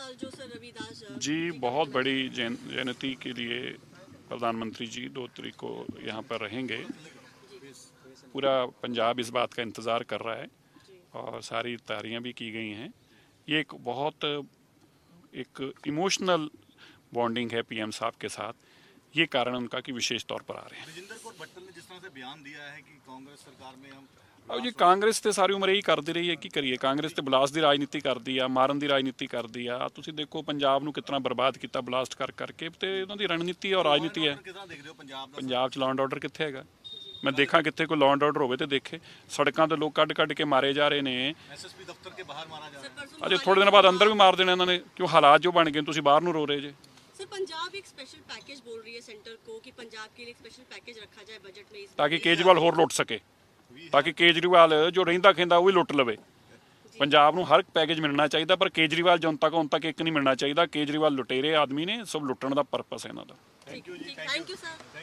साल जो सर रविदास जी बहुत बड़ी जयंती के लिए प्रधानमंत्री जी 2 तारीख को यहाँ पर रहेंगे। पूरा पंजाब इस बात का इंतज़ार कर रहा है और सारी तैयारियाँ भी की गई हैं। ये एक बहुत एक इमोशनल बॉन्डिंग है पीएम साहब के साथ, ये कारण उनका कि विशेष तौर पर आ रहे हैं। ਰਜਿੰਦਰ ਕੌਰ ਬੱਟਲ ਨੇ ਜਿਸ ਤਰ੍ਹਾਂ ਸੇ ਬਿਆਨ ਦਿਆ ਹੈ ਕਿ ਕਾਂਗਰਸ ਸਰਕਾਰ में हम और जी कांग्रेस तो सारी उम्र यही करती रही है, की करिए कांग्रेस तो बलास्ट की राजनीति करती है, मारन की राजनीति करती है। तुसीं देखो पंजाब नूं कितना बर्बाद किया बलास्ट कर करके, तो इन्हों की रणनीति और राजनीति है। ਕਿਸ ਤਰ੍ਹਾਂ ਦੇਖਦੇ ਹੋ ਪੰਜਾਬ ਦਾ पंजाब च लॉ एंड ऑर्डर कित्थे हैगा? मैं देखा कित्थे कोई लॉ एंड ऑर्डर होवे तो देखे। सड़कों ते लोग कढ़ कढ़ के मारे जा रहे हैं। ਐਸਐਸਪੀ ਦਫ਼ਤਰ के बाहर मारा जा रहा है। अजे थोड़े दिन बाद अंदर भी मार देने इन्होंने, क्यों हालात जो बन गए तुसीं बाहर नूं रो रहे जे। सर पंजाब एक स्पेशल पैकेज बोल रही है सेंटर को कि पंजाब के लिए एक स्पेशल पैकेज रखा जाए बजट में इस ताकि केजरीवाल होर लुट सके, ताकि केजरीवाल जो रहिंदा खिंदा वो भी लुट लवे। पंजाब नूं हर पैकेज मिलना चाहिए, पर केजरीवाल जनता को उन तक एक नहीं मिलना चाहिए। केजरीवाल लुटेरे आदमी ने, सब लुटण का परपस है इन्हां दा। Thank you sir.